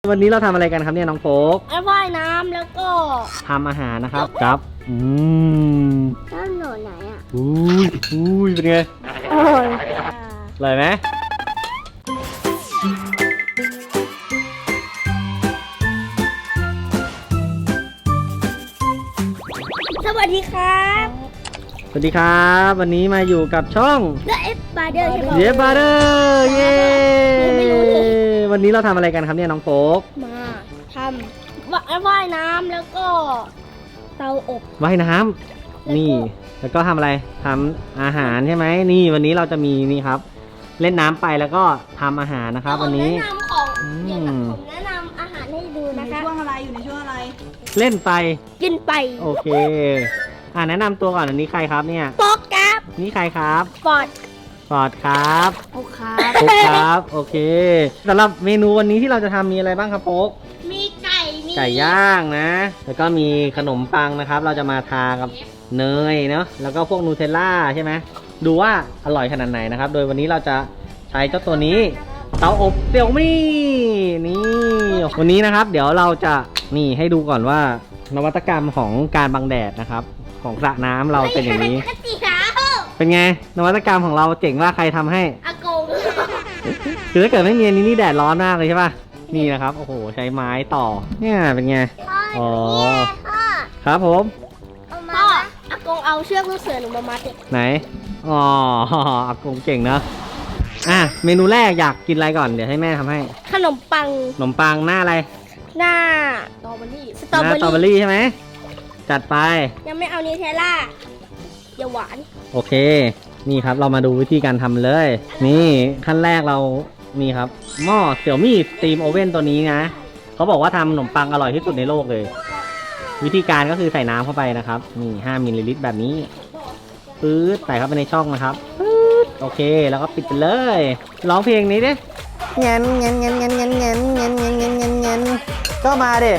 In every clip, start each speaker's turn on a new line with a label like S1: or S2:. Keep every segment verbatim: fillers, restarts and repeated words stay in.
S1: วันนี้เราทำอะไรกันครับเนี่ยน้องโฟก
S2: ว่ายน้ำแล้วก็
S1: ทำอาหารนะครับครับอืม
S2: น้ำหนูไหนอ่ะ
S1: อุ้ยอุ้ยเป็นไง
S2: อร่อย
S1: อร่อยไหม
S2: สวัสดีครับ
S1: สวัสดีครับวันนี้มาอยู่กับช่อง
S2: The F Brother ใช่ไหม
S1: The F Brother เย้วันนี้เราทำอะไรกันครับเนี่ยน้องโฟก
S2: มาทำว่ายน้ำแล้วก็เตาอบ
S1: ว่ายน้ำนี่แล้วก็ทำอะไรทำอาหารใช่ไหมนี่วันนี้เราจะมีนี่ครับเล่นน้ำไปแล้วก็ทำอาหารนะครับวันนี้
S2: แนะนำของผมแนะนำอาหารให้ดูนะคะ
S3: ช่วงอะไรอยู่ในช่วงอะไร
S1: เล่นไป
S2: กินไป
S1: โอเคอ่าแนะนำตัวก่อนอันนี้ใครครับเนี่ย
S2: โป๊กครับ
S1: นี่ใครครับ
S2: ฟอร์ด
S1: ฟอร์ดครับ
S2: โป๊กครับ
S1: โป๊กครับโอเคสำหรับเมนูวันนี้ที่เราจะทำมีอะไรบ้างครับโป๊ก
S2: มีไก่มี
S1: ไก่ย่างนะแล้วก็มีขนมปังนะครับเราจะมาทากับเนยเนาะแล้วก็พวกนูเทลล่าใช่ไหมดูว่าอร่อยขนาดไหนนะครับโดยวันนี้เราจะใช้เจ้าตัวนี้เตาอบเสี่ยวมี่นี่วันนี้นะครับเดี๋ยวเราจะนี่ให้ดูก่อนว่านวัตกรรมของการบังแดดนะครับของสระน้ำเราเป็นอย่างนี้เป็นไงนวัตกรรมของเราเจ๋งว่าใครทำให้
S2: อากง
S1: คือถ้าเกิดไม่มีอันนี้นี่แดดร้อนมากเลยใช่ป่ะนี่นะครับโอ้โหใช้ไม้ต่อเนี่ยเป็นไงอ๋อครับผม
S2: พ่ออากงเอาเชือกลูกเสือหนูมามัดเด็ก
S1: ไหนอ๋ออากงเก่งเนอะอ่ะเมนูแรกอยากกินอะไรก่อนเดี๋ยวให้แม่ทำให้
S2: ขนมปัง
S1: ขนมปังหน้าอะไร
S2: หน้าสตรอเบอรี่
S1: สตรอเบอรี่ใช่ไหมจัดไป
S2: ยังไม่เอานิเทลล่าอย่าหวาน
S1: โอเคนี่ครับเรามาดูวิธีการทำเลยนี่ขั้นแรกเรานี่ครับหม้อเสี่ยวมี่สตีมโอเว่นตัวนี้นะเขาบอกว่าทำขนมปังอร่อยที่สุดในโลกเลยวิธีการก็คือใส่น้ำเข้าไปนะครับนี่ห้ามิลลิลิตรแบบนี้ปื๊ดใส่เข้าไปในช่องนะครับปื๊ดโอเคแล้วก็ปิดไปเลยร้องเพลงนี้ดิเงี้ยเงี้ยเงี้ยเงี้ยเงี้ยเงี้ยเงี้ยเงี้ยเงี้ยเงี้ยเงี้ยก็มาดิ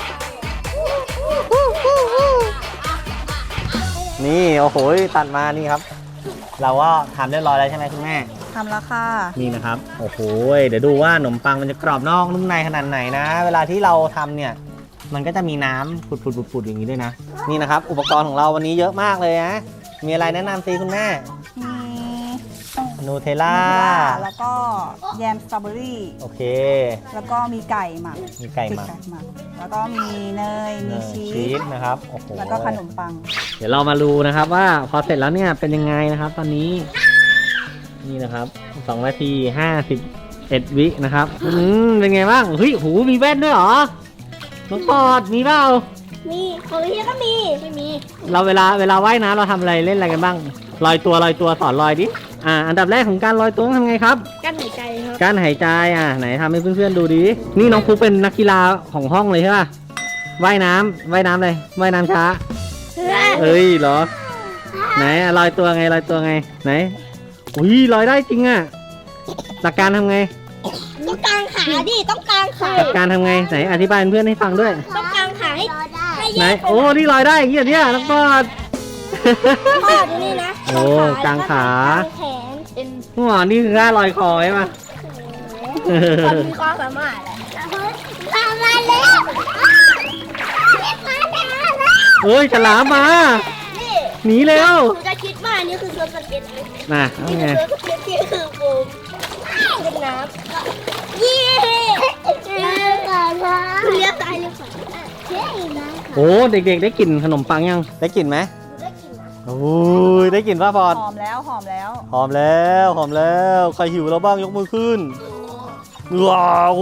S1: นี่โอ้โหตัดมานี่ครับเราก็ทำเรียบร้อยแล้วใช่ไหมคุณแม่
S3: ทำแล้วค่ะ
S1: นี่นะครับโอ้โหเดี๋ยวดูว่าขนมปังมันจะกรอบนอกนุ่มในขนาดไหนนะเวลาที่เราทำเนี่ยมันก็จะมีน้ำผุดๆๆๆอย่างนี้ด้วยนะนี่นะครับอุปกรณ์ของเราวันนี้เยอะมากเลยนะมีอะไรแนะนำซีคุณแม่มีนูเทลล่า
S3: แล้วก็แยมสตรอเบอรี่
S1: โอเค
S3: แล้วก็มีไก่หมัก
S1: มีไก่หมัก
S3: แล้วก็มีเนยมีชีส
S1: นะครับโอ้โห
S3: แล้วก็ขนมปัง
S1: เดี๋ยวเรามาดูนะครับว่าพอเสร็จแล้วเนี่ยเป็นยังไงนะครับตอนนี้นี่นะครับสองนาทีห้าสิบเอ็ดวินะครับอืมเป็นไงบ้างเฮ้ยหูมีแว่นด้วยเหรอน้องปอดมีเปล่า
S2: มีของพี่ก็มีไม่มี
S1: เราเวลาเวลาว่ายน้ำเราทำอะไรเล่นอะไรกันบ้างลอยตัวลอยตัวสอนลอยดิอ่าอันดับแรกของการลอยตัวต้องทำไงครับ
S2: การหายใจครับ
S1: การหายใจอ่ะไหนทำให้เพื่อนๆดูดินี่น้องฟุ๊กเป็นนักกีฬาของห้องเลยใช่ป่ะว่ายน้ำว่ายน้ำเลยว่ายน้ำช้าเอ้ยเหรอไหนลอยตัวไงลอยตัวไงไหนอุ้ยลอยได้จริงอ่ะหลักการทำไง
S2: ต้องกางขาดิต้องกางขา
S1: หลักการทำไงไหนอธิบายเพื่อนให้ฟังด้วย
S2: ต้องกางขาให้
S1: ไหนโอ้นี่ลอยได้อย่างเงี้ยเนี่ยน้องปอด
S2: พ่อดูนี่นะ
S1: โอ้กางขา
S2: แขนเป็น
S1: หัวนี่คือท่าลอยคอใช่ไหม
S2: คนมีความสามารถแหละมามาแล้ว
S1: เฮ้ยฉลามมาหนีเร็ว
S2: หนูจะคิดว่านี่คือเสือสเก็ต
S1: น่ะ
S2: นี่คือเสือสเก็ตที่คือปูเป็นน้ำยี่เลี้ยก่อนนะเลี้ยตายเลี้ยก่อน
S1: โอ้เด็กๆได้กลิ่นขนมปังยังได้กลิ่นไหมได้กลิ่นโอ้ยได้กลิ่นป่ะพอด
S3: หอมแล้วหอมแล้ว
S1: หอมแล้วหอมแล้วใครหิวแล้วบ้างยกมือขึ้นว้าว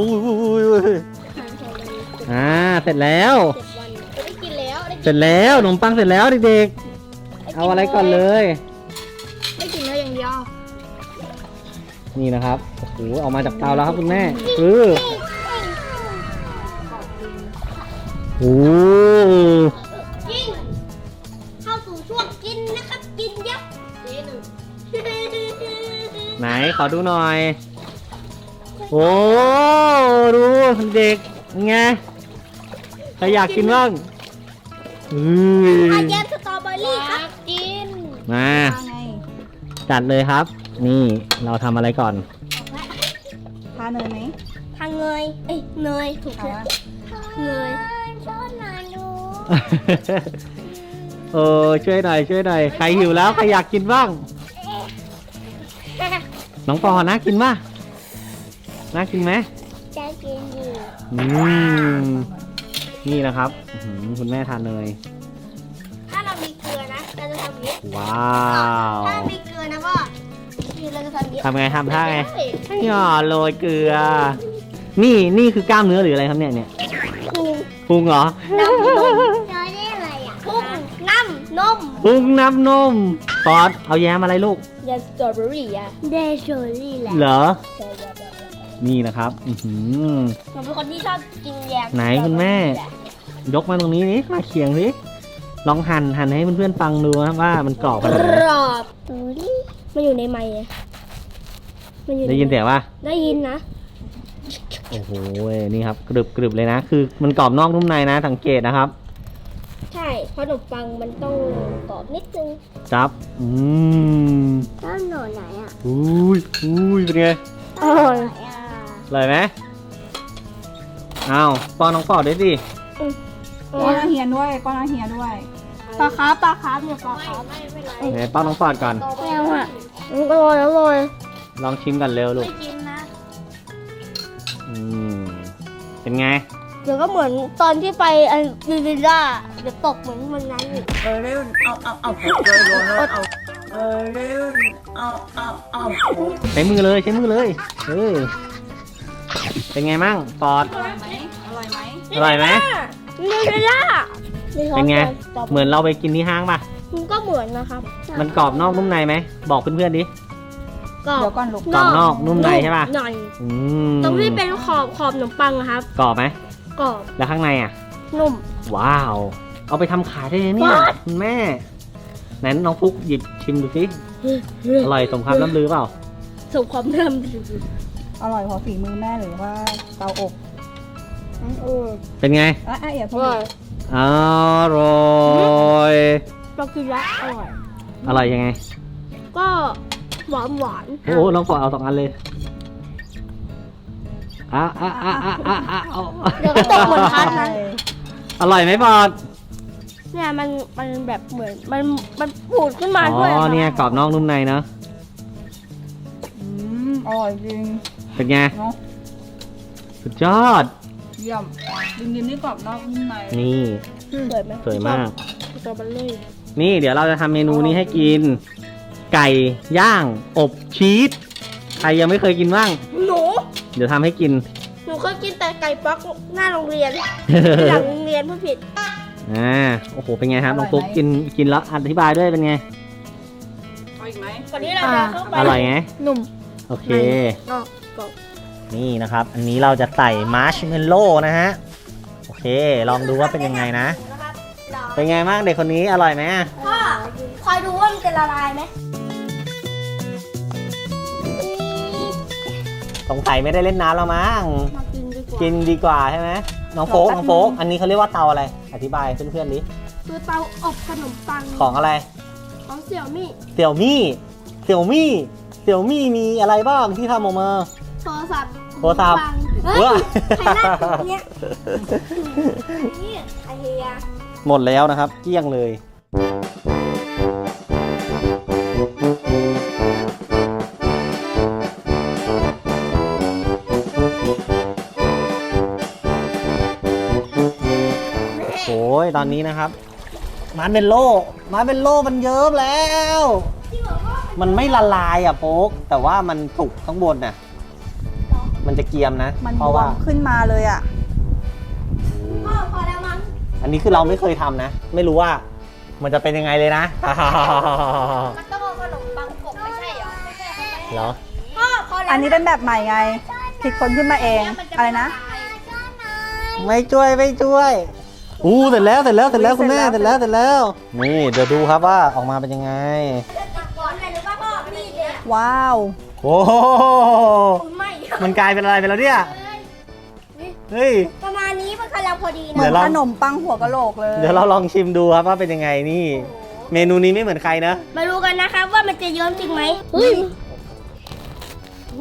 S1: อ่าเสร็จแล้ว
S2: ได้กินแล้ว
S1: เสร็จแล้วขนมปังเสร็จแล้วเด็กๆเอาอะไรก่อนเลย
S2: ได้กินแล้วอย่างเดียว
S1: นี่นะครับโอ้โหออกมาจากเตาแล้วครับคุณแม่คือโอ้
S2: กินเข้าสู่ช่วงกินนะครับกินยับกิน
S1: ไหนขอดูหน่อยโอ้ดูเด็กไงใครอยากกินบ้างอือ
S2: แยมสตรอเบอรี่ครับกิน
S1: มาจัดเลยครับนี่เราทำอะไรก่อน
S3: ทาเนยไหม
S2: ทางเงยเอ้ยเนยถูก
S3: เอา
S2: แล้ว
S3: วะ
S2: เนยชอบนานดู
S1: เออช่วยหน่อยช่วยหน่อยใครหิวแล้วใครอยากกินบ้างน้องปอน่ากินป่ะน่ากินไหม
S2: จะกินอยู่
S1: อืมนี่นะครับอื้อหือคุณแม่ทานเนย
S2: ถ้าเรามีเกลือนะเราจะทำอย่างนี้
S1: ว้าว
S2: ถ้ามีเกลือนะพ่อนี่เราจะทำอย่างนี้
S1: ทำไงทำท่าไงหย่อโรยเกลือ นี่นี่คือกล้ามเนื้อหรืออะไรครับเนี่ยเนี่ย
S2: พุง
S1: พุงเหรอ
S2: น้ำนมเราได้อะไรอ่ะพุงน้ำนม
S1: พุงน้ำนมปอดเอาแย้มอะไรลูก
S2: ยาสตรอเบอรี่อ่ะเดชอรี่แหละ
S1: เหรอ นี่นะครับอือหือ
S2: ผมเป็นคนที่ชอบกินแยม
S1: ไหนคุณแม่ ยกมาตรงนี้นี่มาเคียงสิลองหั่นหั่นให้เพื่อนๆฟังดูนะว่ามันกรอบข
S2: ก
S1: นาดไหน
S2: รอบดูดิมันอยู่ในไมค์อะมันอยู่ใน
S1: ได้ยินเสียงป่ะ
S2: ได้ยินนะ
S1: โอ้โหนี่ครับกรึบกรึบเลยนะ คือมันกรอบนอกนุ่มในนะสังเกตนะครับ
S2: ใช่เพราะขนมปังมันต้องกรอบนิดนึง
S1: จับอืม
S2: แล้วหนูไหนอ่ะ
S1: อุ้ยอุ้ยเป็นไง
S2: อร่อย
S1: อร่อยไหมอ้าวป้อนน้องปอดด้วยสิ
S3: ป้อนอาเฮียนด้วยป้อนอาเฮียด้วย
S2: ปลาคาร์ฟปลาคาร์ฟเนี่ยปลาคาร์ฟ
S1: ไหนป้อนน้องปอดก่อน
S2: ไม่เอาอ่ะมันอร่อยอร่อย
S1: ลองชิมกันเร็วลูก
S2: ไม่กินนะ
S1: อืมเป็นไง
S2: เดี๋ยวก็เหมือนตอนที่ไปอันดิลิล่าเดี๋ยวตกเหมือนมันนั้นอีก
S4: เออเร็วเอาเอาเอาเลยโดนแล้วเอาเออเร็วเอาเอาเอา
S1: ใช้มือเลยใช้มือเลยเออเป็นไงมั่งปอด
S3: อร่อยไหมอร่อยไหม
S1: อร่อยไหม
S2: ดิลิล่า
S1: เป็นไงเหมือนเราไปกินที่ห้างป่ะ
S2: มันก็เหมือนนะครับ
S1: มันกรอบนอกนุ่มในไหมบอกเพื่อนๆดิ
S2: กรอบ
S3: เดี๋ยวก่อนลูก
S1: กรอบนอกนุ่มในใช่ปะ
S2: หน่อย
S1: อืม
S2: ตรงที่เป็นขอบขอบขนมปังอะครับ
S1: กรอบไหม
S2: กรอบ
S1: แล้วข้างในอ่ะ
S2: นุ่ม
S1: ว้าว เอาไปทำขายได้เลยเนี่ย
S2: ว้าว
S1: คุณแม่ไหนน้องฟุกหยิบชิมดูสิอร่อยสมคำล่ำลือเปล่า
S2: สมความเริ่มดี
S3: อร่อยเพราะฝีมือแม่หรือว่าเตาอบ
S2: เออ
S1: เป็นไง
S3: อ่ะอ่ะอย่า
S2: อ
S3: พูด
S2: ร่อย
S1: อร่อย
S2: เรากินแล้วอร่อย
S1: อร่อยยังไง
S2: ก็หวานหวาน
S1: โอ้โหน้องปอดเอาสองอันเลยอ่ะอ่ะอ่ะอ่ะอ่ะอ่ะเอา
S2: เดี๋ยวก็ตกเหมือนพัน
S3: ใช่
S2: นะ
S1: อร่อยไหมปอด
S2: เนี่ยมันมันแบบเหมือนมันมันปูดขึ้นมา
S1: อ๋
S2: ด้วย
S1: อเนี่ยกรอบนอกนุ่มในเนอะ
S3: อืมอร่อยจริง
S1: เป็นไง
S3: เนาะ
S1: สุดยอด
S3: เยี่ยมดิมดิมนี่กรอบนอกนุ่มใน
S1: นี่
S2: สวยไหม
S1: สวยมาก
S2: สตรอเบอรี่
S1: นี่เดี๋ยวเราจะทำเมนูนี้ให้กิน ไก่ย่างอบชีสใครยังไม่เคยกินบ้าง
S2: หนู
S1: เดี๋ยวทำให้กิน
S2: หนูก็กินแต่ไก่ป๊อกหน้าโรงเรียนหลังโรงเรียนผู้ผิด
S1: อ่าโอ้โหเป็นไงครับน้องฟุ๊กกินกินแล้วอธิบายด้วยเป็นไง
S3: เอาอีกไหม
S2: ก่อนที่เราจะเข้าไป
S1: อร่อยไง
S2: หนุ่ม
S1: โอเค
S2: นอกกรอบ
S1: นี่นะครับ อันนี้เราจะใส่มาร์ชเมลโล่นะฮะโอเค ลองดูว่าเป็นยังไงนะ
S2: นะครับ
S1: เป็นไงบ้างเด็กคนนี้อร่อยไหม
S2: พ่อคอยดูว่ามันจะละลายไหม
S1: สงสัยไม่ได้เล่นน้ำแล้วมั้ง
S2: มากินดีกว่า
S1: กินดีกว่าใช่ไหมน้องโฟกน้องโฟกอันนี้เขาเรียกว่าเตาอะไร อธิบายเพื่อนๆดิ
S2: คือเตาอบขนมปัง
S1: ของอะไร
S2: ของเสี่ยวมี่
S1: เสี่ยวมี่เสี่ยวมี่เสี่ยวมี่มีอะไรบ้างที่ทำออกมา
S2: โทรศัพท์
S1: โทรศัพท์
S2: เฮ้ย
S1: ว้า
S2: ใครนั่งอยู่เนี่ยนี่ไอเฮีย
S1: หมดแล้วนะครับเกลี้ยงเลยโอ้ยตอนนี้นะครับมาร์เมลโล่มาร์เมลโล่มันเยิ้มแล้ว มันไม่ละลายอ่ะโป๊กแต่ว่ามันสุกข้างบนน่ะมันจะเกรียมนะ
S3: มัน
S1: เพ
S3: บ
S1: ราะ
S3: ว
S1: ว่าม
S3: ขึ้นมาเลยอ่ะ
S2: พ่อพอแล้วมั้ง
S1: อันนี้คือเราไม่เคยทำนะ ไม่รู้ว่ามันจะเป็นยังไงเลยนะ
S2: มันต้องเอาขนมปังกบไม่ใช่เหรอไม่ใช่เขาไม่
S1: เหรอ
S2: พ่อพอแล้ว
S3: อันนี้เป็นแบบใหม่ไงคิดคนขึ้นมาเอง อะไรนะ
S1: ไม่ช่วยไม่ช่วยอู้เสร็จแล้วเสร็จแล้วเสร็จแล้วคุณแม่เสร็จแล้วเสร็จแล้วนี่เดี๋ยวดูครับว่าออกมาเป็นยังไง
S2: ก่อนเลยหรือว่าพ่อนี่เลย
S3: ว้าว
S1: โอ้โห
S2: คุณไม่
S1: มันกลายเป็นอะไรไปแล้วเนี่ยเฮ้ย
S2: ประมาณนี้มันกำลังพอดี
S3: เหมื
S2: นะ
S3: อน
S1: เดี๋ยวเรา
S3: ขนมปังหัวกะโหลกเลย
S1: เดี๋ยวเราลองชิมดูครับว่าเป็นยังไงนี่ เมนูนี้ไม่เหมือนใครนะ
S2: มาดูกันนะครับว่ามันจะเยิ้มจริงไหมเฮ้ย
S1: โอ้โห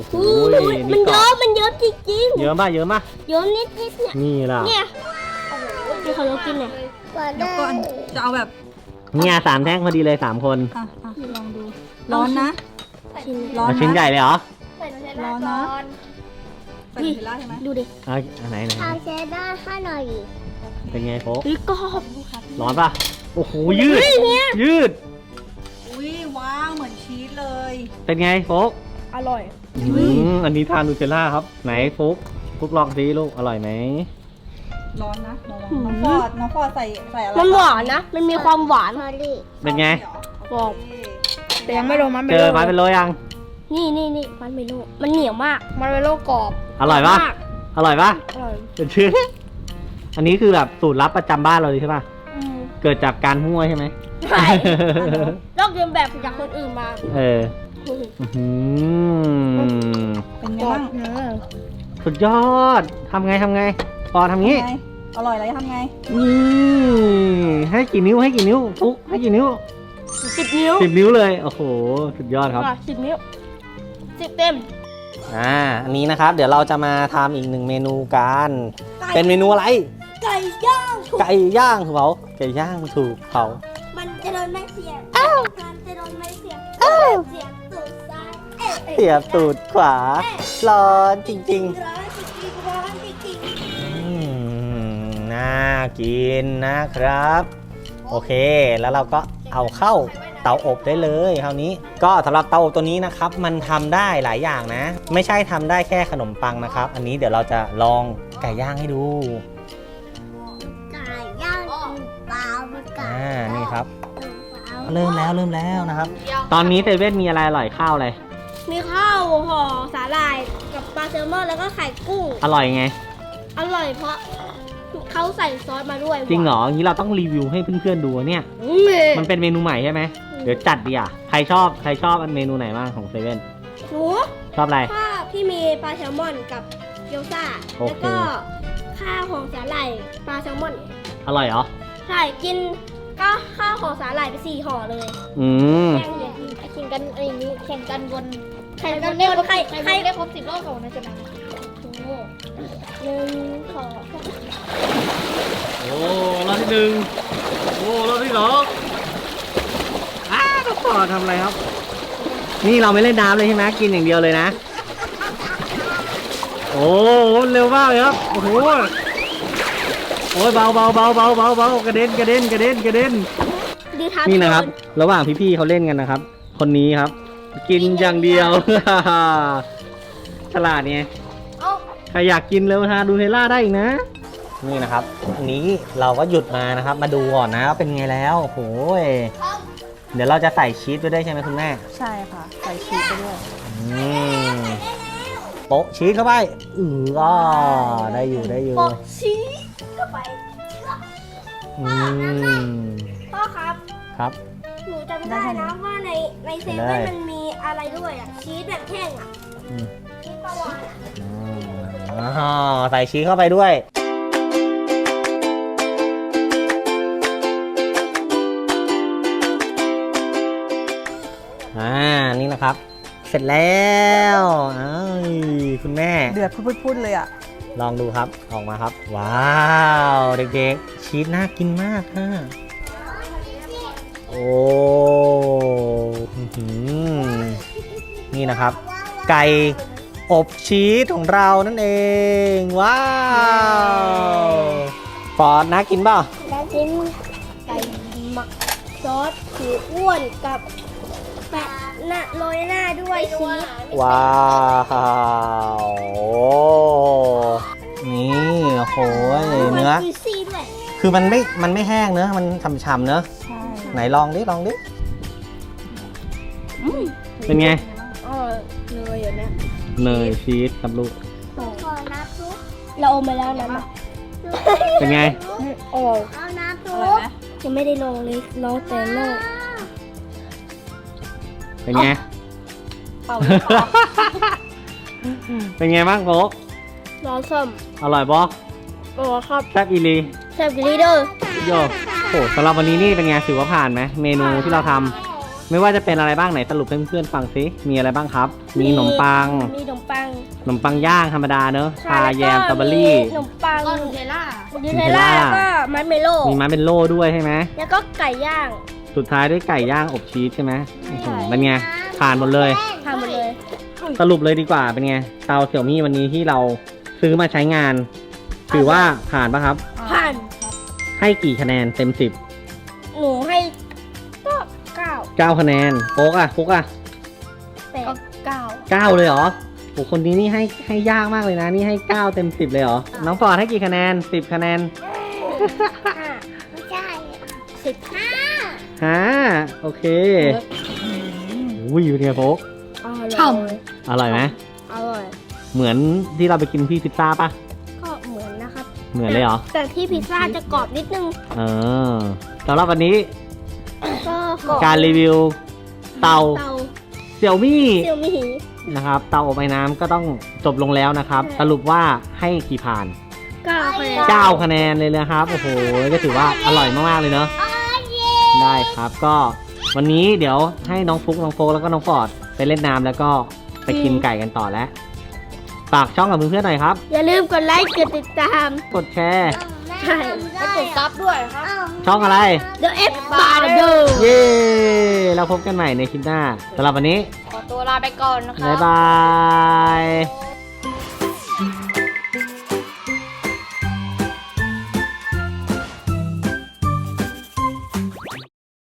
S2: อู้ยมันเยอะมันเยอะจริง
S1: เยอะป่ะเยอะป่ะ
S2: ๆเยอะนิดนิดๆเนี่ย
S1: นี่ล่ะ
S2: เนี่ยโอ้โหที่เขาเรากินเนี่ย
S3: เดี๋ยวก่อนจะเอาแบบ
S1: เนี่ยสามแท่งพอดีเลยสามคน
S3: อ่ะอ่ะลองดู ร้อนนะ
S2: ชิ้น
S3: ร้อน
S1: เอา
S3: นะ
S1: ชิ้นใหญ่เลยเหรอ
S3: ร้อนนะใส่เทล่าใช่ไหม
S2: ดูดิ
S1: เอาอันไหนไหน
S2: เอาเชดดาร์ให้หน่อย
S1: เป็นไงโฟก
S2: เฮ้ยกรอบ
S1: ร้อนป่ะโอ้โหยืด
S2: เฮ้ยเนี่ย
S1: ยืด
S3: อุ้ยว้าวเหมือนชีสเลย
S1: เป็นไงโฟก
S2: อร่อย
S1: อืมอันนี้ทานนูเทลล่าครับไหนโฟกฟุกลองสิลูกอร่อยไหม
S3: ร้อนนะระวังน้องฟอดน้องฟอดใส่ใส่อะไร
S2: มันหวานนะ มันมีความหวาน
S1: เป็นไง
S2: บอก
S3: แต่ยังไม่ลงมัน
S1: เจอไม้เป็นโลยัง
S2: นี่นี่นี่มันเมโลมันเหนียวมาก มันเมโลกรอบ
S1: อร่อยปะ
S2: มาก
S1: อร่อยปะ
S2: อร่อย
S1: เป็นชื่อ อันนี้คือแบบสูตรลับประจำบ้านเราเลยใช่ปะ
S2: อืม
S1: เกิดจากการมั่วใช่ไหม
S2: ใช่ลอกเรียนแบบจากคนอื่นมา
S1: เอออื้อหือ
S3: เป็นไงบ้าง
S1: สุดยอดทำไงทำไงปอทำงี้
S3: ไงอร่อยอะไรทำไง
S1: นี่ให้กี่นิ้วให้กี่นิ้วฟุกให้กี่นิ้ว
S2: สิบนิ้ว
S1: สิบนิ้วเลยโอ้โหสุดยอดครับ
S2: อ่ะสิบนิ้วสิบเต็ม
S1: อ่าอันนี้นะครับ เดี๋ยวเราจะมาทำอีกหนึ่งเมนูกันเป็นเมนูอะไร
S2: ไก่ย่างถูก
S1: ไก่ย่างถูกเผาไก่ย่างถูกเผา
S2: มันจะโดนไม่เสียบมันจะโดนไม่เสียบเสียบตูดซ้ายเอ๊ะ
S1: เสียบตูดขวาร้อนจริง
S2: ร้อนจริงๆร้อนจริง
S1: ๆอืมน่ากินนะครับ โอเคแล้วเราก็เอาเข้าเตาอบได้เลยคราวนี้ ก็สำหรับเตาอบตัวนี้นะครับ มันทำได้หลายอย่างนะ ไม่ใช่ทำได้แค่ขนมปังนะครับ อันนี้เดี๋ยวเราจะลองไก่ย่างให้ดู
S2: ๆไก่ย่างเปล่าไก่
S1: อ่านี่ครับ
S2: เปล่า
S1: เริ่มแล้วเริ่มแล้วนะครับ ตอนนี้เซเว่นมีอะไรอร่อยข้าวอะไร
S2: มีข้าวห่อสาหร่ายกับปลาแซลมอนแล้วก็ไข่กุ้ง
S1: อร่อยไง
S2: อร่อยเพราะเขาใส่ซอสมาด้วย
S1: จริงเหรออย่างนี้เราต้องรีวิวให้เพื่อนๆดูเนี่ย
S2: อืม
S1: มันเป็นเมนูใหม่ใช่ไหมเดี๋ยวจัดดีอ่ะใครชอบใครชอบอันเมนูไหนบ้างของเซเว่น
S2: หนู
S1: ชอบอะไร
S2: ข้าวที่มีปลาแซลมอนกับเกี๊ยวซ่า
S1: โอ
S2: แล้ว
S1: เค
S2: ก็ข้าวห่อสาหร่ายปลาแซลมอน
S1: อร่อยเหรอ
S2: ใช่กินก็ข้าวห่อสาหร่ายไปสี่ห่อเลย
S1: อืม
S2: แข่งเลยแข่งกันไอ้นี้แข่งกันบนแข่งกันบนใครใครได้ครบสิบรอบของนะจ๊ะนะหนึ่งสอง
S1: โอ้รอบที่หนึ่งโอ้รอบที่สองอ้าวก็ต่อทำอะไรครับ นี่เราไม่เล่นน้ำเลยใช่ไหมกินอย่างเดียวเลยนะ โอ้เร็วมากเลยครับโอ้โหโอ้ยเบาเบาเบาเบาเบาเบากระเด็นกระเด็นกระเด็นกระเด็น
S2: ดีทับ
S1: นี่นะครับ ระหว่างพี่ๆเขาเล่นกันนะครับ คนนี้ครับ กินอย่างเดียว ฉลาดไง
S2: เอ้า
S1: ใครอยากกินเร็วทานดูเทลล่าได้อีกนะ นี่นะครับอันนี้เราก็หยุดมานะครับ มาดูก่อนนะว่าเป็นไงแล้วโอ้โหยเดี๋ยวเราจะใส่ชีสไปด้วยใช่ไหมคุณแม่
S3: ใช่ค่ะ ใส่ชีสไปด้วย
S1: อืมโปะชีสเข้าไปอือก็ได้อยู่ได้อยู่
S2: ปกชีสเข้าไป
S1: อืม
S2: พ่อครับ
S1: ครับ
S2: หนูจำได้นะว่าในในเซเว่นมันมีอะไรด้วยอ่ะชีสแบบแห้งอ่ะ
S1: อืม
S2: ชีสปลาวานอ่ะ
S1: อ๋อใส่ชีสเข้าไปด้วยอ่านี่นะครับ เสร็จแล้วอ้าวคุณแม่
S3: เดือดพุดๆเลยอ่ะ
S1: ลองดูครับออกมาครับ ว้าวเด็กๆชีสน่ากินมากฮะโอ้อื้อหือนี่นะครับ ไก่อบชีสของเรานั่นเองว้าวปอดน่ากินเปล่า
S2: แล้วกินไก่หมักซอสผิวอ้วนกับแปะหน้าโรยหน้าด้วยชีส
S1: ว้าวโอ้นี่โอ้โหเนื้อ
S2: จุยซี่ด้วย
S1: คือมันไม่มันไม่แห้งเนื้อะมันฉ่ำๆเนื้อะ
S3: ใช่
S1: ไหนลองดิลองดิเป็นไง
S2: เออเนยอย่างเนี้ย
S1: เนยชีสกับลูก
S2: ขอน้ำซุปเราเอามาแล้วนะมา
S1: เป็นไง
S2: โอ้เอาน้ำซุปยังไม่ได้ลงเลยลองแต่นอก
S1: เป็นไง
S3: เป่าหรือเปล่า
S1: เป็นไงบ้างโฟก
S2: ลองส้ม
S1: อร่อยบอ
S2: โอ้ครับ
S1: แซ่บอีลี
S2: แซ่บกิลีเดอร์
S1: โยโอ้สำหรับวันนี้นี่เป็นไงถือว่าผ่านไหมเมนูที่เราทไม่ว่าจะเป็นอะไรบ้างไหนสรุปให้เพื่อนๆฟังซิมีอะไรบ้างครับ มีขนมปัง
S2: มีขนมปัง
S1: ขนมปังย่างธรรมดาเนอะ
S2: ใช่
S1: ชาแยมสตรอเบอรี่
S2: ขนมปัง
S5: ก็นูเทลล่า
S2: ยูเทลล่าแล้วก็มัสเมโล่
S1: มีมาเป็นโล่ด้วยใช่ไหม
S2: แล้วก็ไก่ย่าง
S1: สุดท้ายด้วยไก่ย่างอบชีสใช่ไหมโอ้โห
S2: ใช่
S1: เป็นไงผ่านหมดเลย
S2: ทำหมดเลย
S1: สรุปเลยดีกว่าเป็นไงเตาเสี่ยวมี่วันนี้ที่เราซื้อมาใช้งาน ถือว่าผ่านปะครับ
S2: ผ่าน
S1: ให้กี่คะแนนเต็มสิบ
S2: หนูให้ก็เก้า
S1: เก้าคะแนนโป๊กอะโป๊กอะ
S2: แปดเก้า
S1: เก้าเลยเหรอโอ้คนนี้นี่ให้ให้ยากมากเลยนะนี่ให้เก้าเต็มสิบเลยเหรอน้องฟอร์ดให้กี่คะแนนสิบคะแนน
S2: ห้าไม่ใช่สิบห้า
S1: ห้าโอเคอุ้ยเป็นไงโป๊ก
S2: ฉ่
S1: อร่อยไหม
S2: ำอร่อย
S1: เหมือนที่เราไปกินที่พิซซ่าปะ
S2: ก็เหมือนนะครับ
S1: เหมือนเลยเหรอ
S2: แต่ที่พิซซ่าจะกรอบนิดนึง
S1: เออสำหรับวันนี้
S2: ก็กรอบ
S1: การรีวิวเตา
S2: เตา
S1: เสี่ยวมี่
S2: เซียวมีหี
S1: นะครับเตาอบไอ้น้ำก็ต้องจบลงแล้วนะครับ
S2: ใช่
S1: สรุปว่าให้กี่ผ่าน
S2: เก้าคะแนน
S1: เก้าคะแนนเลยนะครับโอ้โหก็ถือว่าอร่อยมากๆเลยเนาะได้ครับก็วันนี้เดี๋ยวให้น้องฟุกน้องโฟกแล้วก็น้องฟอร์ดไปเล่นน้ำแล้วก็ไปกินไก่กันต่อแล้วฝากช่องกับเพื่อนๆหน่อยครับ
S2: อย่าลืมกดไลค์กดติดตาม
S1: กดแชร์
S2: ใช่
S5: ไปกดซับด้วยครับ
S1: ช่องอะไร
S2: เดอะเอฟบาร์เดอร์
S1: เย้เราพบกันใหม่ในคลิปหน้าสำหรับวันนี้
S5: ขอตัวลาไปก่อนนะครับ
S1: บ๊ายบาย